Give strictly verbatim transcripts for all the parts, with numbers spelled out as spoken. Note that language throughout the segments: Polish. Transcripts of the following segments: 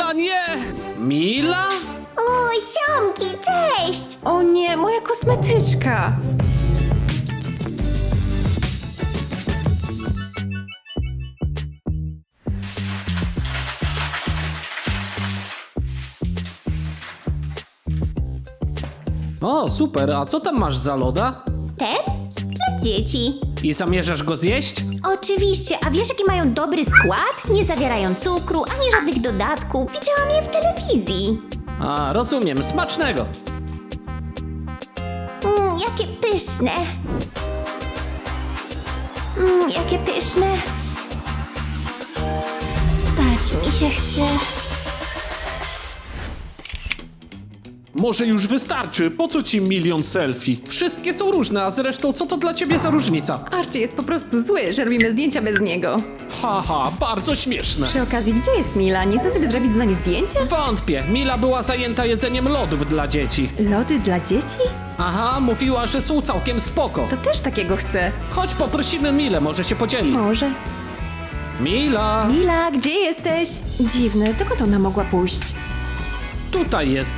Mila, nie! Mila? O, ziomki, cześć! O nie, moja kosmetyczka! O, super, a co tam masz za loda? Ten? Dla dzieci. I zamierzasz go zjeść? Oczywiście, a wiesz jaki mają dobry skład? Nie zawierają cukru, ani żadnych dodatków. Widziałam je w telewizji. A, rozumiem, smacznego. Mmm, jakie pyszne. Mmm, jakie pyszne. Spać mi się chce. Może już wystarczy, po co ci milion selfie? Wszystkie są różne, a zresztą co to dla ciebie za różnica? Archie jest po prostu zły, że robimy zdjęcia bez niego. Haha, bardzo śmieszne. Przy okazji, gdzie jest Mila? Nie chce sobie zrobić z nami zdjęcia? Wątpię, Mila była zajęta jedzeniem lodów dla dzieci. Lody dla dzieci? Aha, mówiła, że są całkiem spoko. To też takiego chcę. Chodź poprosimy Milę, może się podzieli. Może. Mila, Mila, gdzie jesteś? Dziwne, dokąd ona mogła pójść? tutaj jest.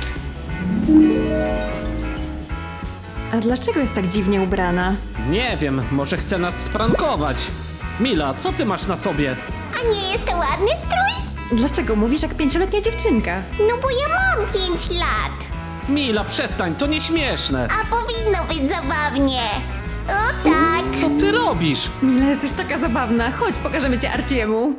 A dlaczego jest tak dziwnie ubrana? Nie wiem, może chce nas sprankować. Mila, co ty masz na sobie? A nie jest to ładny strój? Dlaczego mówisz jak pięcioletnia dziewczynka? No bo ja mam pięć lat. Mila, przestań, to nieśmieszne. A powinno być zabawnie. O tak. Co ty robisz? Mila, jesteś taka zabawna. Chodź, pokażemy cię Archiemu.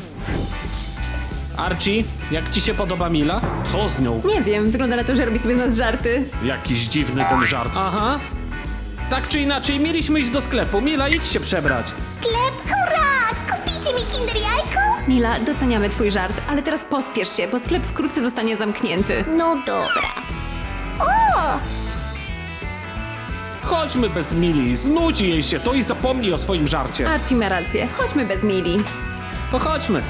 Archie, jak ci się podoba Mila? Co z nią? Nie wiem, wygląda na to, że robi sobie z nas żarty. Jakiś dziwny ten żart. Aha. Tak czy inaczej, mieliśmy iść do sklepu. Mila, idź się przebrać. Sklep, hurra! Kupicie mi kinder jajko? Mila, doceniamy twój żart, ale teraz pospiesz się, bo sklep wkrótce zostanie zamknięty. No dobra. O! Chodźmy bez Mili, znudzi jej się to i zapomnij o swoim żarcie. Archie ma rację, chodźmy bez Mili. To chodźmy.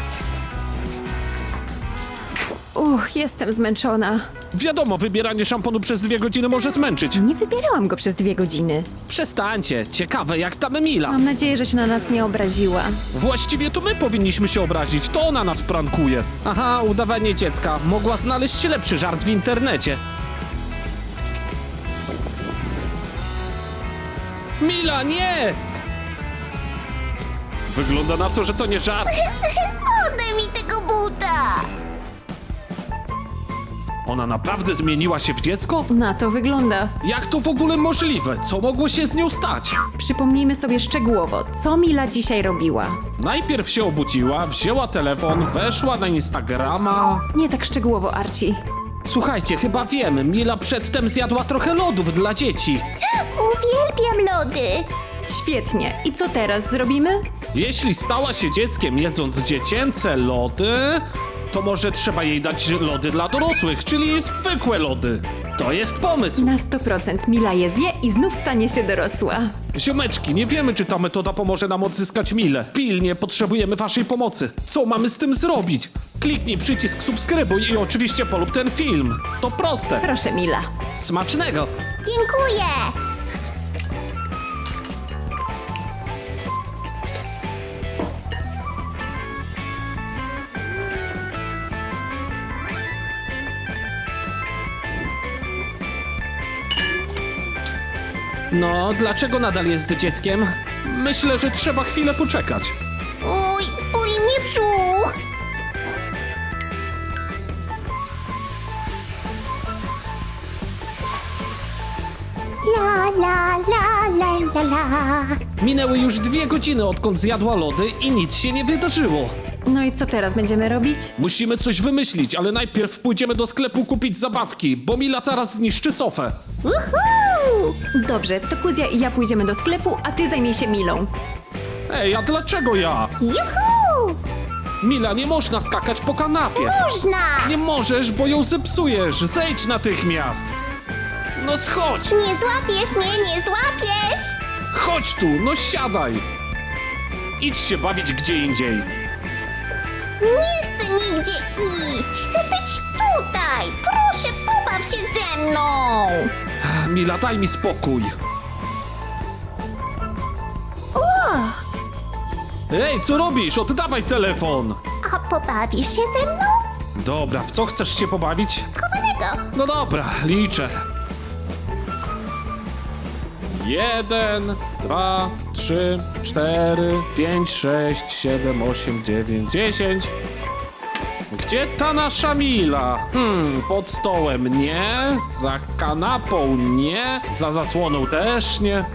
Uch, jestem zmęczona. Wiadomo, wybieranie szamponu przez dwie godziny może zmęczyć. Nie wybierałam go przez dwie godziny. Przestańcie, ciekawe jak tam Mila. Mam nadzieję, że się na nas nie obraziła. Właściwie to my powinniśmy się obrazić, to ona nas prankuje. Aha, udawanie dziecka. Mogła znaleźć lepszy żart w internecie. Mila, nie! Wygląda na to, że to nie żart. Oddaj mi tego buta! Ona naprawdę zmieniła się w dziecko? Na to wygląda. Jak to w ogóle możliwe? Co mogło się z nią stać? Przypomnijmy sobie szczegółowo, co Mila dzisiaj robiła. Najpierw się obudziła, wzięła telefon, weszła na Instagrama. Nie tak szczegółowo, Archie. Słuchajcie, chyba wiem, Mila przedtem zjadła trochę lodów dla dzieci. Uwielbiam lody! Świetnie. I co teraz zrobimy? Jeśli stała się dzieckiem jedząc dziecięce lody, to może trzeba jej dać lody dla dorosłych, czyli zwykłe lody. To jest pomysł. Na sto procent Mila je zje i znów stanie się dorosła. Ziomeczki, nie wiemy, czy ta metoda pomoże nam odzyskać Milę. Pilnie potrzebujemy waszej pomocy. Co mamy z tym zrobić? Kliknij przycisk subskrybuj i oczywiście polub ten film. To proste. Proszę, Mila. Smacznego. Dziękuję! No, dlaczego nadal jest dzieckiem? Myślę, że trzeba chwilę poczekać. Uj, boli mnie brzuch! La la la la la la. Minęły już dwie godziny, odkąd zjadła lody i nic się nie wydarzyło. No i co teraz będziemy robić? Musimy coś wymyślić, ale najpierw pójdziemy do sklepu kupić zabawki, bo Mila zaraz zniszczy sofę. Uhu! Dobrze, to Kuzia i ja pójdziemy do sklepu, a ty zajmij się Milą. Ej, a dlaczego ja? Juhu! Mila, nie można skakać po kanapie. Można! Nie możesz, bo ją zepsujesz. Zejdź natychmiast. No schodź. Nie złapiesz mnie, nie złapiesz! Chodź tu, no siadaj. Idź się bawić gdzie indziej. Nie chcę nigdzie iść, chcę być tutaj! Proszę, pobaw się ze mną! Mila, daj mi spokój. O! Ej, co robisz? Oddawaj telefon. A pobawisz się ze mną? Dobra, w co chcesz się pobawić? Chowanego. No dobra, liczę. Jeden, dwa, trzy, cztery, pięć, sześć, siedem, osiem, dziewięć, dziesięć. Gdzie ta nasza Mila? Hmm, pod stołem nie, za kanapą nie, za zasłoną też nie.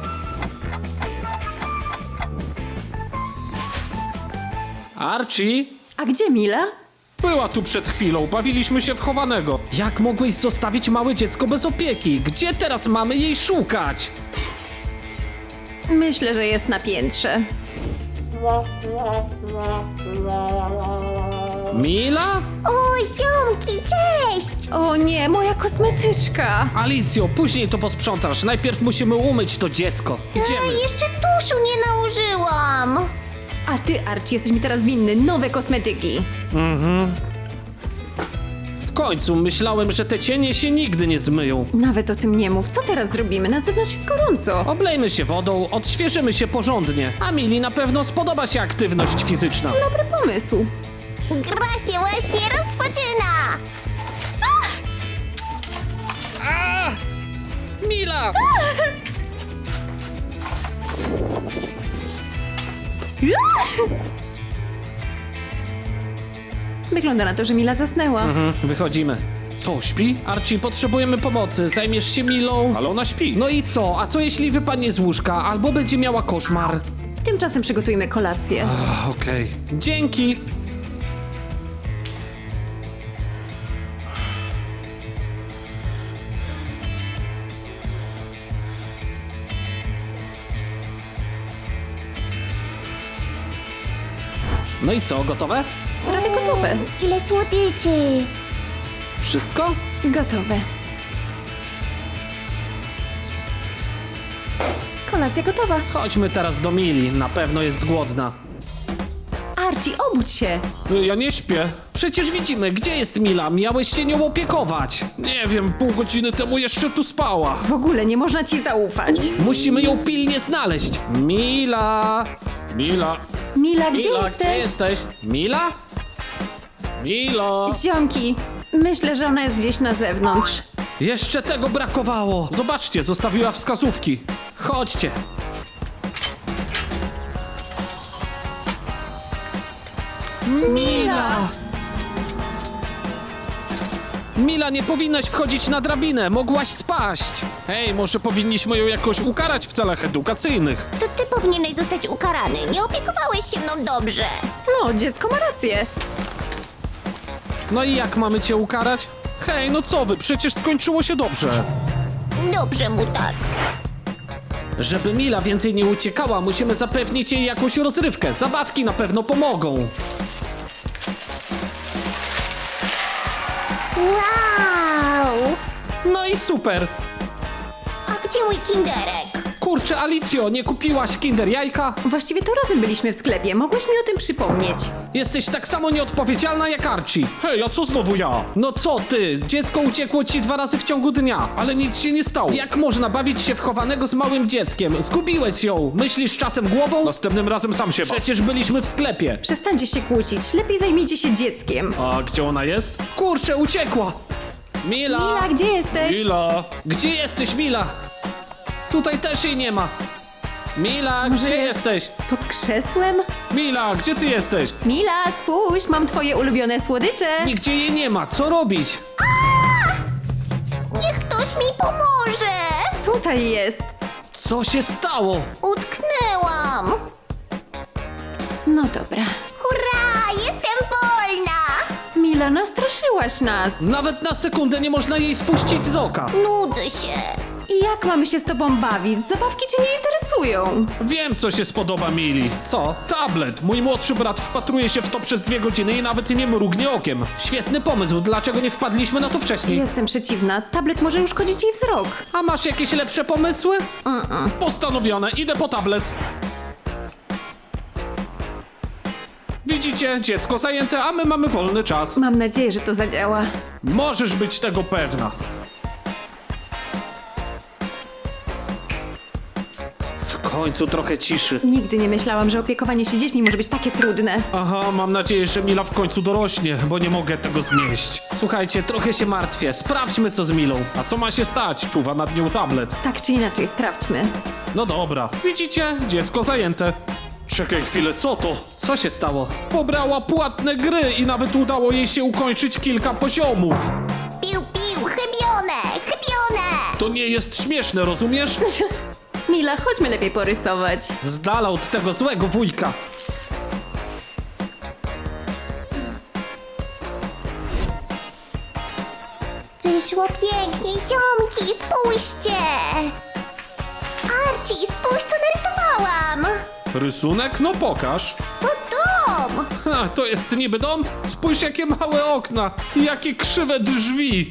Archie? A gdzie Mila? Była tu przed chwilą, bawiliśmy się w chowanego. Jak mogłeś zostawić małe dziecko bez opieki? Gdzie teraz mamy jej szukać? Myślę, że jest na piętrze. Mila? O, ziomki, cześć! O nie, moja kosmetyczka! Alicjo, później to posprzątasz. Najpierw musimy umyć to dziecko. A, Idziemy. jeszcze tuszu nie nałożyłam. A ty, Archie, jesteś mi teraz winny nowe kosmetyki. W końcu myślałem, że te cienie się nigdy nie zmyją. Nawet o tym nie mów. Co teraz zrobimy? Na zewnątrz jest gorąco. Oblejmy się wodą, odświeżymy się porządnie. A Mili na pewno spodoba się aktywność fizyczna. Dobry pomysł. Gra się właśnie rozpoczyna. Mila! Wygląda na to, że Mila zasnęła. Mhm, wychodzimy. Co, śpi? Archie, potrzebujemy pomocy. Zajmiesz się Milą? Ale ona śpi. No i co? A co jeśli wypadnie z łóżka? Albo będzie miała koszmar? Tymczasem przygotujmy kolację. Ach, okej. Dzięki. No i co, gotowe? Prawie gotowe. Ile słodyczy. Wszystko? Gotowe. Kolacja gotowa. Chodźmy teraz do Mili, na pewno jest głodna. Archie, obudź się. Ja nie śpię. Przecież widzimy, gdzie jest Mila, miałeś się nią opiekować. Nie wiem, pół godziny temu jeszcze tu spała. W ogóle nie można ci zaufać. Musimy ją pilnie znaleźć. Mila! Mila! Mila, gdzie Mila, jesteś? gdzie jesteś? Mila? Milo! Ziomki, myślę, że ona jest gdzieś na zewnątrz. Jeszcze tego brakowało. Zobaczcie, zostawiła wskazówki. Chodźcie. Mila! Mila, nie powinnaś wchodzić na drabinę, mogłaś spaść. Hej, może powinniśmy ją jakoś ukarać w celach edukacyjnych. To ty powinieneś zostać ukarany. Nie opiekowałeś się mną dobrze. No, dziecko ma rację. No i jak mamy cię ukarać? Hej, no co wy, przecież skończyło się dobrze. Dobrze mu tak. Żeby Mila więcej nie uciekała, musimy zapewnić jej jakąś rozrywkę. Zabawki na pewno pomogą. Wow! No i super. A gdzie mój kinderek? Kurczę, Alicjo, nie kupiłaś Kinder Jajka? Właściwie to razem byliśmy w sklepie. Mogłeś mi o tym przypomnieć. Jesteś tak samo nieodpowiedzialna jak Archie. Hej, a co znowu ja? No co ty? Dziecko uciekło ci dwa razy w ciągu dnia, ale nic się nie stało. Jak można bawić się w chowanego z małym dzieckiem? Zgubiłeś ją. Myślisz czasem głową? Następnym razem sam się Przecież byliśmy w sklepie. Przestańcie się kłócić. Lepiej zajmijcie się dzieckiem. A gdzie ona jest? Kurczę, uciekła. Mila! Mila, gdzie jesteś? Mila! Gdzie jesteś, Mila? Tutaj też jej nie ma. Mila, Może gdzie jest- jesteś? Pod krzesłem? Mila, gdzie ty jesteś? Mila, spójrz, mam twoje ulubione słodycze. Nigdzie jej nie ma, co robić? Niech ktoś mi pomoże! Tutaj jest. Co się stało? Utknęłam! No dobra. Hurra! Jestem wolna! Mila, nastraszyłaś nas. Nawet na sekundę nie można jej spuścić z oka. Nudzę się. I jak mamy się z tobą bawić? Zabawki cię nie interesują. Wiem, co się spodoba Mili. Co? Tablet. Mój młodszy brat wpatruje się w to przez dwie godziny i nawet nie mrugnie okiem. Świetny pomysł, dlaczego nie wpadliśmy na to wcześniej? Jestem przeciwna. Tablet może uszkodzić jej wzrok. A masz jakieś lepsze pomysły? Mm-mm. Postanowione, idę po tablet. Widzicie, dziecko zajęte, a my mamy wolny czas. Mam nadzieję, że to zadziała. Możesz być tego pewna. W końcu końcu trochę ciszy. Nigdy nie myślałam, że opiekowanie się dziećmi może być takie trudne. Aha, mam nadzieję, że Mila w końcu dorośnie, bo nie mogę tego znieść. Słuchajcie, trochę się martwię. Sprawdźmy, co z Milą. A co ma się stać? Czuwa nad nią tablet. Tak czy inaczej, sprawdźmy. No dobra. Widzicie? Dziecko zajęte. Czekaj chwilę, co to? Co się stało? Pobrała płatne gry i nawet udało jej się ukończyć kilka poziomów. Piu, piu, chybione, chybione! To nie jest śmieszne, rozumiesz? Mila, chodźmy lepiej porysować. Z dala od tego złego wujka. Wyszło pięknie, ziomki, spójrzcie! Archie, spójrz, co narysowałam! Rysunek? No pokaż. To dom! Ha, to jest niby dom? Spójrz, jakie małe okna i jakie krzywe drzwi.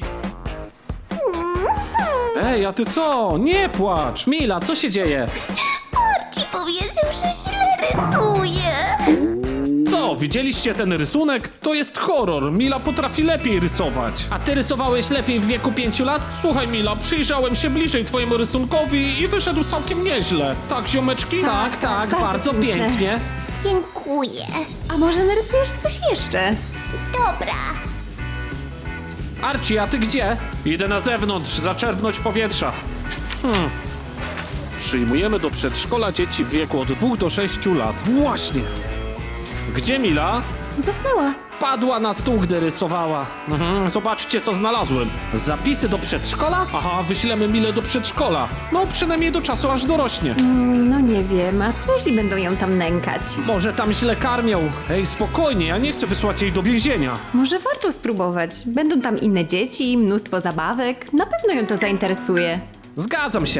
Ej, a ty co? Nie płacz. Mila, co się dzieje? Archie powiedział, że źle rysuje! Co, widzieliście ten rysunek? To jest horror. Mila potrafi lepiej rysować. A ty rysowałeś lepiej w wieku pięciu lat? Słuchaj, Mila, przyjrzałem się bliżej twojemu rysunkowi i wyszedł całkiem nieźle. Tak, ziomeczki? Tak, tak, bardzo bardzo piękne. pięknie. Dziękuję. A może narysujesz coś jeszcze? Dobra. Archie, a ty gdzie? Idę na zewnątrz, zaczerpnąć powietrza. Hmm. Przyjmujemy do przedszkola dzieci w wieku od dwóch do sześciu lat. Właśnie. Gdzie Mila? Zasnęła. Padła na stół, gdy rysowała. Mhm, zobaczcie, co znalazłem. Zapisy do przedszkola? Aha, wyślemy Milę do przedszkola. No, przynajmniej do czasu, aż dorośnie. No nie wiem, a co jeśli będą ją tam nękać? Może tam źle karmią. Ej, spokojnie, ja nie chcę wysłać jej do więzienia. Może warto spróbować. Będą tam inne dzieci, mnóstwo zabawek. Na pewno ją to zainteresuje. Zgadzam się.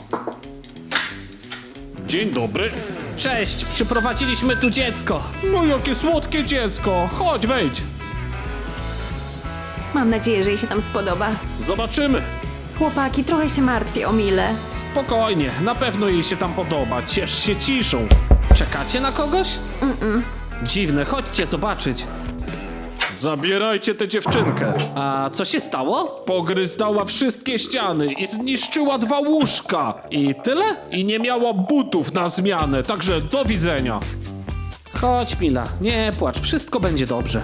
Dzień dobry. Cześć, przyprowadziliśmy tu dziecko. No jakie słodkie dziecko. Chodź, wejdź. Mam nadzieję, że jej się tam spodoba. Zobaczymy. Chłopaki, trochę się martwię o Milę. Spokojnie, na pewno jej się tam podoba. Ciesz się ciszą. Czekacie na kogoś? Mm-mm. Dziwne, chodźcie zobaczyć. Zabierajcie tę dziewczynkę. A co się stało? Pogryzdała wszystkie ściany i zniszczyła dwa łóżka. I tyle? I nie miała butów na zmianę, także do widzenia. Chodź, Mila, nie płacz, wszystko będzie dobrze.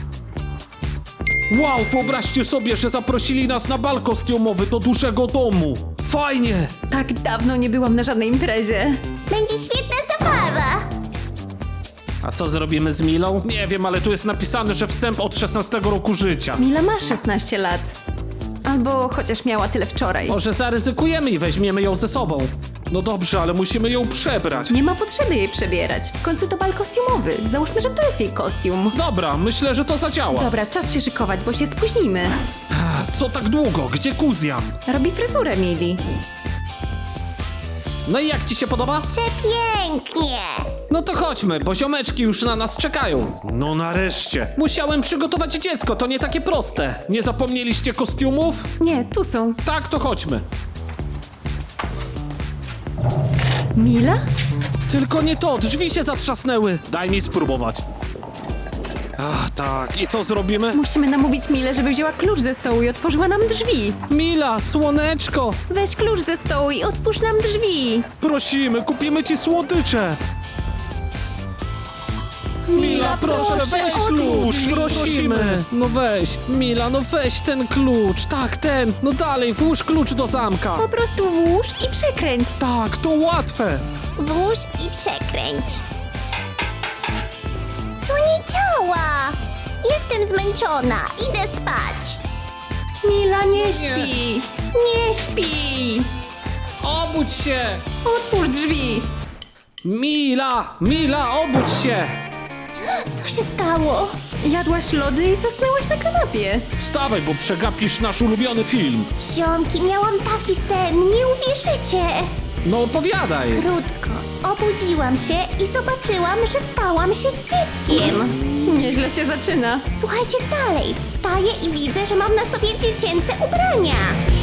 Wow, wyobraźcie sobie, że zaprosili nas na bal kostiumowy do dużego domu. Fajnie! Tak dawno nie byłam na żadnej imprezie. Będzie świetna zabawa! A co zrobimy z Milą? Nie wiem, ale tu jest napisane, że wstęp od szesnastego roku życia. Mila ma szesnaście lat. Albo chociaż miała tyle wczoraj. Może zaryzykujemy i weźmiemy ją ze sobą. No dobrze, ale musimy ją przebrać. Nie ma potrzeby jej przebierać. W końcu to bal kostiumowy. Załóżmy, że to jest jej kostium. Dobra, myślę, że to zadziała. Dobra, czas się szykować, bo się spóźnimy. Co tak długo? Gdzie Kuzjan? Robi fryzurę Mili. No i jak ci się podoba? Przepięknie! No to chodźmy, bo ziomeczki już na nas czekają. No nareszcie. Musiałem przygotować dziecko, to nie takie proste. Nie zapomnieliście kostiumów? Nie, tu są. Tak, to chodźmy. Mila? Tylko nie to, drzwi się zatrzasnęły. Daj mi spróbować. Ach, tak. I co zrobimy? Musimy namówić Milę, żeby wzięła klucz ze stołu i otworzyła nam drzwi. Mila, słoneczko. Weź klucz ze stołu i otwórz nam drzwi. Prosimy, kupimy ci słodycze. Mila, proszę, weź klucz, prosimy. No weź, Mila, no weź ten klucz. Tak, ten. No dalej, włóż klucz do zamka. Po prostu włóż i przekręć. Tak, to łatwe. Włóż i przekręć. To nie działa! Jestem zmęczona, idę spać. Mila, nie śpi. Nie śpi. Obudź się. Otwórz drzwi. Mila, Mila, obudź się. Co się stało? Jadłaś lody i zasnęłaś na kanapie. Wstawaj, bo przegapisz nasz ulubiony film. Ziomki, miałam taki sen, nie uwierzycie! No opowiadaj. Krótko, obudziłam się i zobaczyłam, że stałam się dzieckiem. Nieźle się zaczyna. Słuchajcie dalej, wstaję i widzę, że mam na sobie dziecięce ubrania.